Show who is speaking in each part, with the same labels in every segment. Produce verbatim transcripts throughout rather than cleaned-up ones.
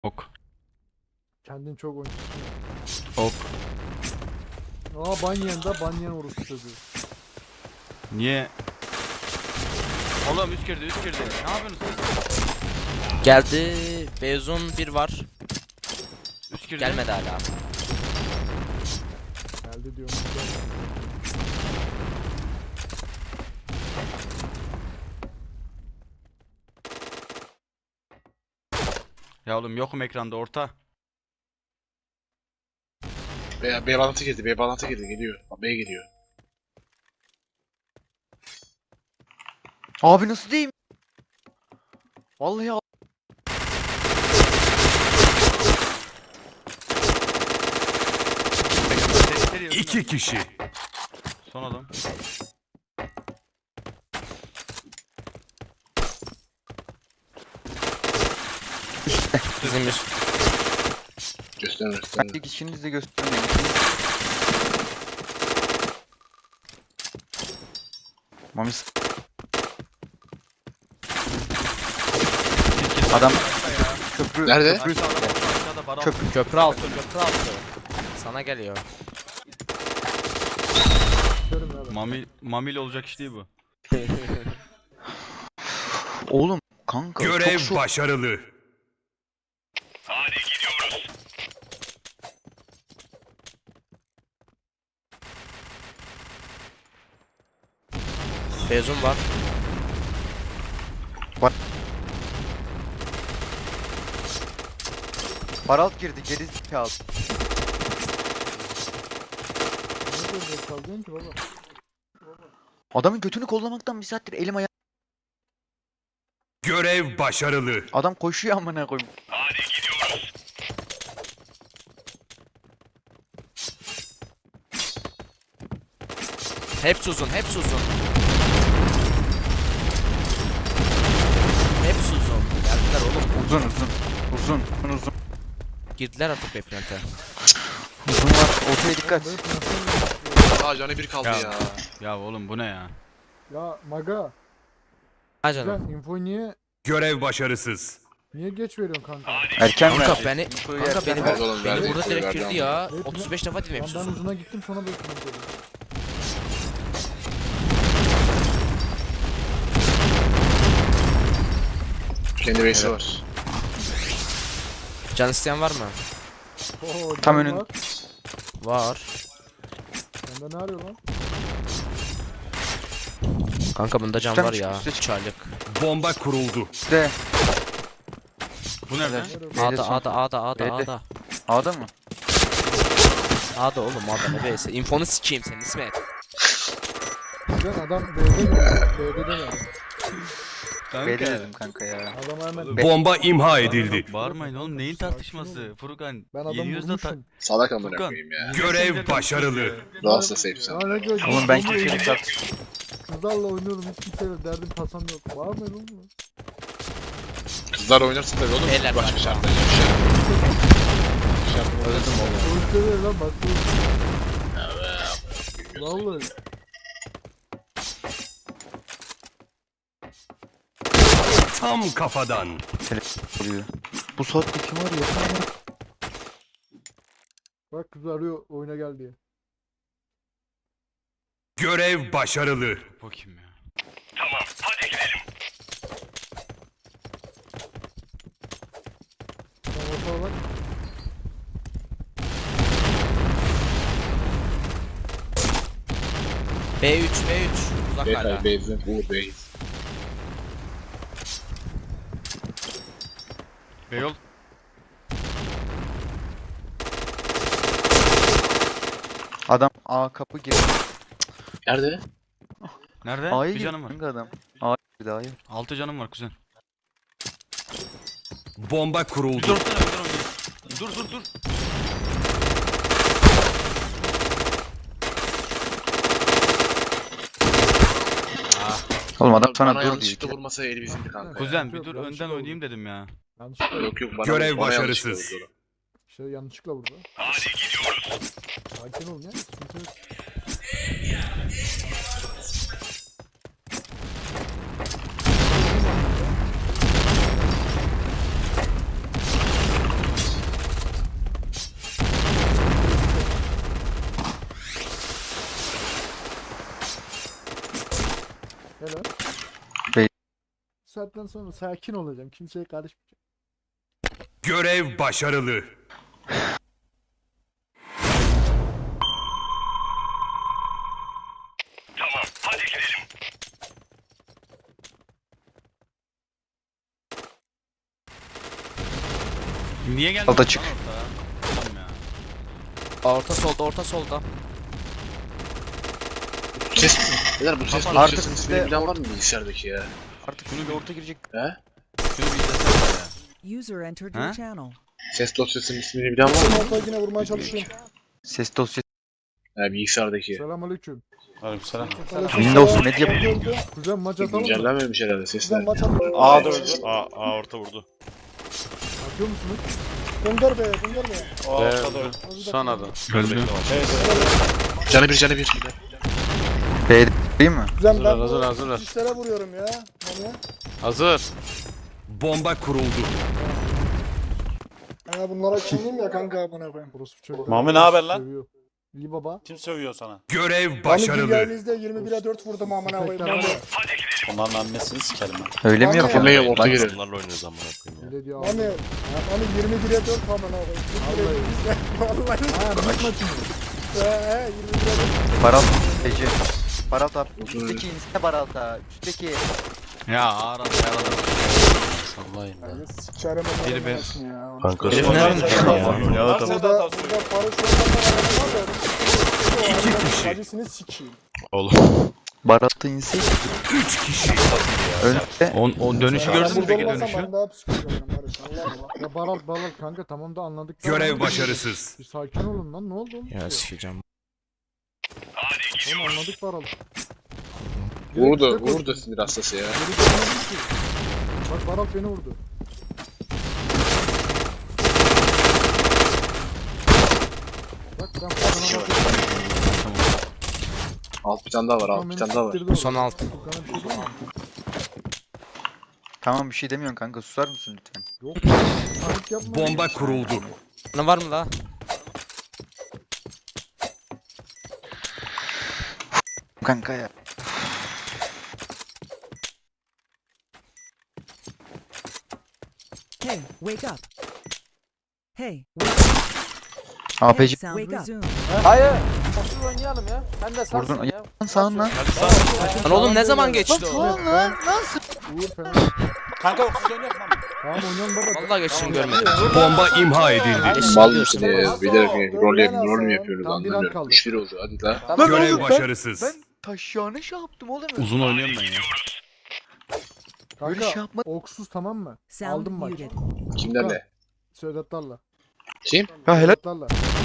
Speaker 1: Ok.
Speaker 2: Kendin çok oyuncusun.
Speaker 1: Ok.
Speaker 2: Aa Banyan da Banyan orospu çocuğu.
Speaker 1: Niye? Oğlum üst girdi üst girdi. Ne yapıyorsunuz siz?
Speaker 3: Geldi. Beyzun bir var.
Speaker 1: Üst girdi.
Speaker 3: Gelmedi hala.
Speaker 2: Geldi diyorum.
Speaker 1: Ya oğlum yokum ekranda orta.
Speaker 4: B, B bağlantı girdi, B bağlantı girdi, geliyor. B geliyor.
Speaker 5: Abi nasıl diyeyim? Vallahi al-
Speaker 6: İki kişi.
Speaker 1: Son adam.
Speaker 3: Bizim üst.
Speaker 4: Gösterin gösterin.
Speaker 5: kendi kişinizi göstermeyin. Mamis. Adam köprü.
Speaker 4: Nerede?
Speaker 5: Köprü.
Speaker 1: Aşağıda, aşağıda baron.
Speaker 5: Köprü.
Speaker 3: Köprü altı. Köprü altı. Sana geliyor.
Speaker 2: Gösterim ya ben.
Speaker 1: Mami, mamil olacak iş değil bu.
Speaker 5: Oğlum kanka
Speaker 6: Görev
Speaker 5: çok şok.
Speaker 6: başarılı.
Speaker 3: Beyzun var.
Speaker 5: Baralt girdi geri zekalı.
Speaker 2: Ne böyle çaldın ki baba?
Speaker 5: Adamın götünü kollamaktan bir saattir elim ayağım.
Speaker 6: Görev başarılı.
Speaker 5: Adam koşuyor amına koyayım.
Speaker 3: Hepsi uzun. Hepsi uzun. Hepsi uzun. Geldiler oğlum.
Speaker 5: Uzun uzun. Uzun uzun uzun.
Speaker 3: Girdiler artık beklente.
Speaker 5: Uzun var. Ortaya dikkat.
Speaker 2: Böyle pınasın
Speaker 4: Aa canı bir kaldı
Speaker 1: Ya.
Speaker 4: ya.
Speaker 1: Ya oğlum bu ne ya?
Speaker 2: ya Maga.
Speaker 3: Ha canım.
Speaker 2: Sen infoyu niye
Speaker 6: Görev başarısız.
Speaker 2: niye geç veriyorsun kanka?
Speaker 5: Erken
Speaker 3: Kanka
Speaker 5: ver.
Speaker 3: beni,
Speaker 5: Infoyu
Speaker 3: kanka
Speaker 5: erken
Speaker 3: beni,
Speaker 5: ver.
Speaker 4: Ver oğlum,
Speaker 3: beni
Speaker 4: ver,
Speaker 3: burada
Speaker 4: ver,
Speaker 3: direkt
Speaker 4: ver,
Speaker 3: girdi
Speaker 4: ver.
Speaker 3: ya.
Speaker 2: Ver,
Speaker 3: otuz beş defa dinlemiş
Speaker 2: Lan ben
Speaker 3: uzun.
Speaker 2: uzuna gittim sonra böyle pınas dedim.
Speaker 4: Kendi base'i var.
Speaker 3: Can isteyen var mı?
Speaker 2: Oo,
Speaker 5: Tam
Speaker 2: can
Speaker 5: önün-
Speaker 2: var.
Speaker 3: Var.
Speaker 2: Sende ne arıyor lan?
Speaker 3: Kanka bunda can
Speaker 5: Üstten
Speaker 3: var
Speaker 5: çık,
Speaker 3: ya.
Speaker 5: üste çık.
Speaker 3: Çaylık.
Speaker 6: Bomba kuruldu.
Speaker 5: De.
Speaker 1: Bu nerede?
Speaker 2: Ne arıyor?
Speaker 5: B'de
Speaker 3: A'da
Speaker 5: son.
Speaker 3: A'da A'da A'da
Speaker 5: B'de.
Speaker 3: A'da.
Speaker 5: A'da mı?
Speaker 3: A'da oğlum A'da ne B'si. İnfonu sikeyim senin İsmet.
Speaker 2: Lan adam B'de geliyor. B'de de var.
Speaker 5: B'de dedim kanka ya.
Speaker 2: Adama hemen
Speaker 6: Bomba imha edildi.
Speaker 1: Bağırmayın oğlum neyin tartışması? Furkan.
Speaker 2: ben adamı
Speaker 1: Yeniyoruz da ta-
Speaker 2: vurmuşum.
Speaker 4: Salak amına
Speaker 1: Furkan.
Speaker 4: koyayım ya.
Speaker 6: Görev başarılı.
Speaker 4: Rahatsız safe sen.
Speaker 2: Ya ne gördün?
Speaker 5: Oğlum ben
Speaker 2: Bombayı
Speaker 5: kimseyle
Speaker 2: elimde-
Speaker 5: tartışmıyorum.
Speaker 2: Kızlarla oynuyorum hiç kimseyle derdim tasam yok. Var mı oğlum?
Speaker 4: Kızlar oynarsa tabii oğlum.
Speaker 3: Beyler
Speaker 4: Başka
Speaker 3: var.
Speaker 4: şartlar yok. Şart. Şart.
Speaker 3: Öldüm oğlum.
Speaker 2: Çocuklar lan bak. Vallahi.
Speaker 6: Tam kafadan.
Speaker 5: Oluyor. Bu saatte kim arıyor?
Speaker 2: Bak kız arıyor oyuna gel diye.
Speaker 6: Görev başarılı.
Speaker 1: Bakayım ya.
Speaker 2: Tamam ortaya bak.
Speaker 3: B üç B üç. Uzak hala.
Speaker 4: Beyler base'in. Uğur base.
Speaker 1: Beyol.
Speaker 5: Adam A kapı girdi.
Speaker 4: Nerede?
Speaker 1: Nerede?
Speaker 5: A'ya
Speaker 1: Bir
Speaker 5: girdi
Speaker 1: canım var.
Speaker 5: kanka adam. A'ya girdi A'ya.
Speaker 1: Altı canım var kuzen.
Speaker 6: Bomba
Speaker 1: Bir
Speaker 6: kuruldu.
Speaker 1: dursana bir dur. Dur dur dur.
Speaker 5: Oğlum adam sana
Speaker 4: Bana
Speaker 5: dur diyor.
Speaker 4: yanlışlıkla vurmasa eli bizimdi kanka.
Speaker 1: Kuzen bir
Speaker 2: Yok,
Speaker 1: dur
Speaker 2: yanlışlıkla
Speaker 1: önden
Speaker 2: oldu.
Speaker 1: oynayayım dedim ya.
Speaker 2: Yanlışlıkla.
Speaker 4: Yok yok bana
Speaker 6: Görev
Speaker 4: bana yanlışlıkla
Speaker 6: başarısız.
Speaker 4: vurdu.
Speaker 2: İşte yanlışlıkla vurdu. Hadi gidiyoruz. Sakin ol ya. Sıkıntı yok. saatten sonra sakin olacağım. Kimseye karışmayacağım.
Speaker 6: Görev başarılı.
Speaker 1: Niye geldin?
Speaker 5: Alta çık.
Speaker 1: lan ortaya? Oğlum ya.
Speaker 3: Orta solda orta solda.
Speaker 4: Ses. Beyler bu ses
Speaker 5: Artık
Speaker 4: dosyasının
Speaker 5: sizde
Speaker 4: ismini bilen var mı bilgisayardaki ya?
Speaker 5: Artık şunu bir orta girecek.
Speaker 4: He?
Speaker 1: Şunu bir izlesene ya.
Speaker 7: User entered
Speaker 1: Huh?
Speaker 7: your channel.
Speaker 4: Ses dosyasının ismini bilen var mı?
Speaker 2: Ortaya yine vurmaya çalışıyorum.
Speaker 5: Ses dosyası.
Speaker 4: He bilgisayardaki.
Speaker 2: Selamünaleyküm.
Speaker 8: Aleykümselam.
Speaker 5: Windows Media.
Speaker 2: Kuzen maç atalım mı?
Speaker 4: Güncellenmemiş herhalde sesler.
Speaker 8: A da öldü. A, A orta vurdu.
Speaker 2: Atıyor musunuz?
Speaker 9: Gönder be, gönder be.
Speaker 8: O orta da öldü.
Speaker 9: Sana da.
Speaker 1: Öldü.
Speaker 4: Canı bir canı bir.
Speaker 5: B değil mi?
Speaker 9: Güzel ben
Speaker 8: hazır,
Speaker 9: bu
Speaker 8: hazır.
Speaker 9: işlere vuruyorum ya. Mami.
Speaker 8: Hazır.
Speaker 6: Bomba kuruldu.
Speaker 9: Ha bunlara kimliyim ya kanka amına koyayım.
Speaker 2: Burası çok.
Speaker 8: Mami, ne haber lan?
Speaker 2: Seviyor. İyi baba.
Speaker 8: Kim sövüyor sana?
Speaker 6: Görev
Speaker 9: Mami
Speaker 6: başarılı.
Speaker 9: Dünya'nızda yirmi bire dört vurdum amına koyayım.
Speaker 2: Tekrar
Speaker 9: Mami.
Speaker 2: var.
Speaker 8: Onların annesini sikerim ben.
Speaker 5: Öyle mi
Speaker 9: Mami.
Speaker 5: yapıyor?
Speaker 4: Kimle orta
Speaker 5: Bak,
Speaker 4: girer.
Speaker 6: Onlarla oynuyoruz amına koyayım ya.
Speaker 2: Öyle diyor.
Speaker 9: Mami. Mami yirmi bire dört amına koyayım.
Speaker 2: Vallahi.
Speaker 9: Vallahi.
Speaker 2: Ha maç maçı mı?
Speaker 9: He he yirmi bire dört.
Speaker 5: Baral. Ece. Baral abi. Üstteki inse Baral'da. Üstteki.
Speaker 1: Ya ağır ağır ağır.
Speaker 8: Sallayın
Speaker 9: Ya
Speaker 8: lan.
Speaker 9: Sikerim
Speaker 1: Biri
Speaker 9: onların
Speaker 1: be.
Speaker 9: anasını ya.
Speaker 8: Kanka.
Speaker 3: Herif nereden çıktı ya?
Speaker 8: Ya
Speaker 9: Burada,
Speaker 8: tamam.
Speaker 9: burada Barış Yoldan'dan var da.
Speaker 6: İki kişi.
Speaker 9: Acısını sikeyim.
Speaker 5: Baral'da inse.
Speaker 6: Üç kişi.
Speaker 5: Önde.
Speaker 1: O, o dönüşü
Speaker 9: Ben
Speaker 1: gördün mü
Speaker 9: burada
Speaker 1: peki
Speaker 9: olmasam
Speaker 1: dönüşü?
Speaker 9: ben daha psikolojim Barış. Allah Allah.
Speaker 2: Ya Baral Baral kanka tamam da anladık. da
Speaker 6: Görev
Speaker 2: anladık.
Speaker 6: başarısız.
Speaker 2: Bir sakin olun lan ne oldu oğlum?
Speaker 3: Ya sikeceğim.
Speaker 2: Oğlum anladık Baral.
Speaker 4: Vurdu. Vurdu sinir hastası ya.
Speaker 2: Geri dönmedim ki. Bak Baral beni vurdu. Bak ben Furkan'a bakıyorum.
Speaker 4: Alt bir tane daha var. Alt bir tane daha var.
Speaker 2: Siktirdi
Speaker 3: Son
Speaker 2: orada.
Speaker 3: alt.
Speaker 2: Furkan'a bir şey diyeyim mi?
Speaker 5: Tamam bir şey demiyorsun kanka. Susar mısın lütfen?
Speaker 2: Yok. Panik yapma.
Speaker 6: Bomba kuruldu.
Speaker 3: Ne var mı la?
Speaker 5: Kanka ya.
Speaker 7: Hey, wake up. Hey, wake up.
Speaker 5: A P
Speaker 7: Hey,
Speaker 5: C.
Speaker 7: sound resumed.
Speaker 9: Hayır. Nasıl oynayalım ya? Sen de sarsın
Speaker 5: Vurdun.
Speaker 9: ya.
Speaker 5: Lan sağın lan.
Speaker 3: Lan oğlum ne zaman geçti o?
Speaker 5: Lan lan.
Speaker 2: Uğur fena.
Speaker 8: Kanka siz oynayalım lan.
Speaker 2: Tamam oynayalım baba.
Speaker 3: Vallahi geçtiğini görmedim.
Speaker 6: Bomba imha edildi.
Speaker 3: Eşek
Speaker 4: Mal
Speaker 3: diyorsun.
Speaker 4: mısın ya? Bilerek rol, yap, rol mü yapıyoruz
Speaker 2: Tam bir an
Speaker 4: anlamıyorum.
Speaker 2: kaldı.
Speaker 4: üç bir oldu hadi la.
Speaker 5: Lan
Speaker 6: Görev
Speaker 5: oğlum, ben-
Speaker 6: başarısız.
Speaker 5: Ben taşyağına şey yaptım oğlum.
Speaker 1: Uzun oynuyorum ben ya.
Speaker 5: Böyle
Speaker 2: Kanka
Speaker 5: şey yapma.
Speaker 2: oksuz tamam mı?
Speaker 7: Sound
Speaker 2: Aldım bak.
Speaker 7: muted.
Speaker 4: Kimlerle?
Speaker 2: Söğütlerle.
Speaker 4: Kim?
Speaker 5: Ya helal.
Speaker 2: Söğütlerle.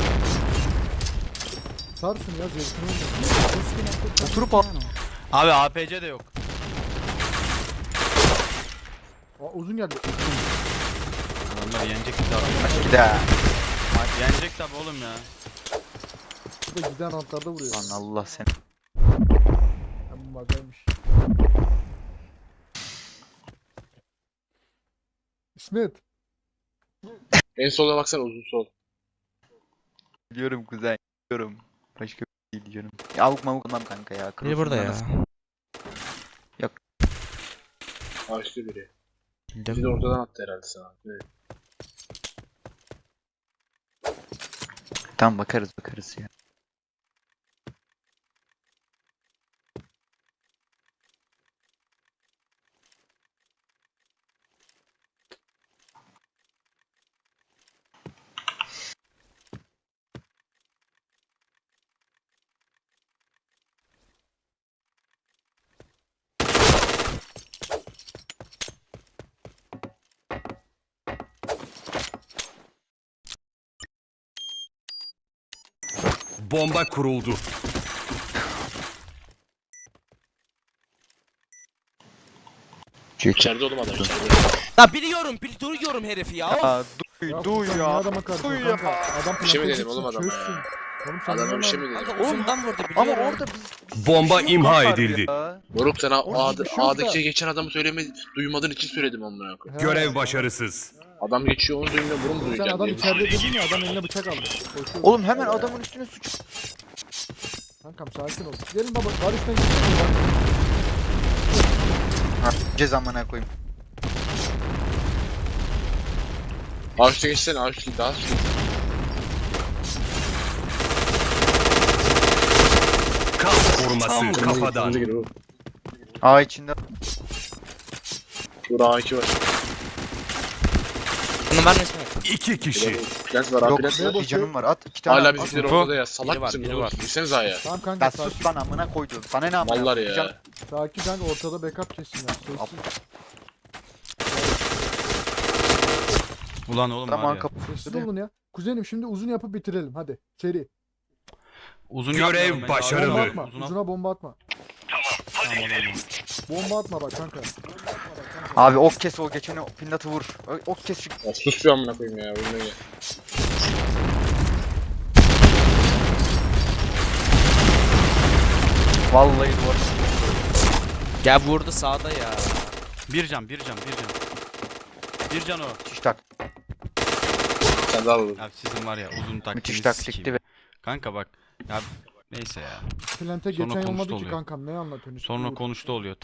Speaker 2: Sarsın ya zevkini oynuyor.
Speaker 7: Disconnected from
Speaker 5: Oturup
Speaker 7: your
Speaker 5: al.
Speaker 7: channel.
Speaker 1: Abi A P C de yok.
Speaker 2: Aa, uzun geldi.
Speaker 1: Adamlar yenecek bizi abi.
Speaker 5: Gider.
Speaker 1: Yenecek tabi oğlum ya.
Speaker 2: Bu da giden rantlarda vuruyor.
Speaker 5: Lan Allah seni.
Speaker 2: Ya bu bagaymış. İsmet.
Speaker 4: En sola baksana uzun sol.
Speaker 5: Biliyorum kuzen. Biliyorum. Başka bir şey diyorum. Ya avuk mavuk olmam kanka ya.
Speaker 3: Biri burada ya.
Speaker 4: Ağaçlı biri.
Speaker 3: Değil
Speaker 4: Bizi de ortadan attı herhalde sana. Evet.
Speaker 5: Tamam bakarız bakarız ya.
Speaker 6: Bomba kuruldu.
Speaker 4: İçeride oğlum adam içeride.
Speaker 3: Ya biliyorum, bil duruyorum herifi ya. Of.
Speaker 5: Aa duy
Speaker 2: Ya
Speaker 5: duy
Speaker 2: Furkan,
Speaker 5: ya.
Speaker 2: niye adama karşı
Speaker 5: Duy
Speaker 2: kanka?
Speaker 5: ya.
Speaker 2: Adam
Speaker 4: Bir şey mi
Speaker 2: plakayı
Speaker 4: dedim oğlum
Speaker 2: tutsun,
Speaker 4: adama
Speaker 2: çözsün.
Speaker 4: ya?
Speaker 2: Oğlum sen
Speaker 4: Adama bir şey
Speaker 2: anlamadın.
Speaker 4: mi dedim?
Speaker 3: Kanka uzundan vurdu
Speaker 5: Ama
Speaker 3: biliyorum.
Speaker 5: orada biz...
Speaker 6: Bomba
Speaker 5: bir şey
Speaker 6: imha
Speaker 5: var
Speaker 6: edildi.
Speaker 5: ya.
Speaker 4: Moruk sana
Speaker 2: Oğlum
Speaker 4: A'da,
Speaker 2: hiçbir şey yok
Speaker 4: A'daki
Speaker 2: da.
Speaker 4: geçen adamı söylemedi, duymadığın için söyledim amına koyayım.
Speaker 2: He.
Speaker 6: Görev başarısız.
Speaker 4: Adam geçiyor onu duymuyor, bunu mu
Speaker 2: Sen
Speaker 4: duyacaksın
Speaker 2: adam
Speaker 4: diye.
Speaker 2: içeride dedin ya adam eline bıçak aldı. Koşuyor.
Speaker 5: Oğlum hemen adamın üstüne suç.
Speaker 2: Kankam sakin ol. Gelin baba Barış'tan gidelim.
Speaker 5: Ha. Cez amına koyayım.
Speaker 4: Ağaçta geçsene ağaçta daha üstü.
Speaker 6: Kas koruması kafadan.
Speaker 4: Önce gir oğlum.
Speaker 5: A içinde.
Speaker 4: Dur A iki var.
Speaker 3: Bunu ben İsmet.
Speaker 6: İki kişi.
Speaker 4: Lens var
Speaker 5: Yok
Speaker 4: abi lens var.
Speaker 5: bir canım var at. iki tane
Speaker 4: Hala
Speaker 5: at.
Speaker 4: bizimkiler
Speaker 1: Info.
Speaker 4: ortada ya. Salak
Speaker 3: Biri var,
Speaker 4: mısın
Speaker 3: biri
Speaker 4: oğlum?
Speaker 3: var.
Speaker 4: Girsenize A'ya.
Speaker 2: Tamam kanka
Speaker 5: Ya
Speaker 2: sakin.
Speaker 5: sus lan amına koydum. Sana ne amına
Speaker 4: Mallar
Speaker 5: koyayım? Bir can-
Speaker 4: ya.
Speaker 2: Sakin kanka ortada backup kesin ya. Sessiz.
Speaker 1: Ulan oğlum var
Speaker 5: Tamam
Speaker 1: ya.
Speaker 5: kapı.
Speaker 2: Sessiz olun ya. Kuzenim şimdi uzun yapıp bitirelim hadi. Seri.
Speaker 1: Uzun
Speaker 6: Görev
Speaker 1: yapmayalım bence.
Speaker 6: başarılı.
Speaker 2: Bomba
Speaker 6: Başarılı.
Speaker 2: atma.
Speaker 1: Uzuna-
Speaker 2: Uzuna bomba atma.
Speaker 1: Tamam oğlum.
Speaker 2: Bomba atma bak kanka.
Speaker 5: Abi ok kes o geçeni pinnatı vur. Ö- Ok kes şu.
Speaker 4: Ya sus bir amına koyayım ya. Oyuna gel.
Speaker 5: Vallahi duvar.
Speaker 3: Gel vurdu sağda ya.
Speaker 1: Bir can, bir can, bir can. Bir can o.
Speaker 5: Müthiş tak.
Speaker 4: Sen de al oğlum.
Speaker 1: Ya sizin var ya uzun taktiğinizi
Speaker 5: Müthiş
Speaker 1: sikeyim.
Speaker 5: taktikti ve
Speaker 1: Kanka bak. Ya neyse ya.
Speaker 2: Plante
Speaker 1: Sonra
Speaker 2: geçen
Speaker 1: konuştu
Speaker 2: olmadı ki
Speaker 1: oluyor.
Speaker 2: kankam ne anlatıyorsun?
Speaker 1: Sonra konuştu oluyor.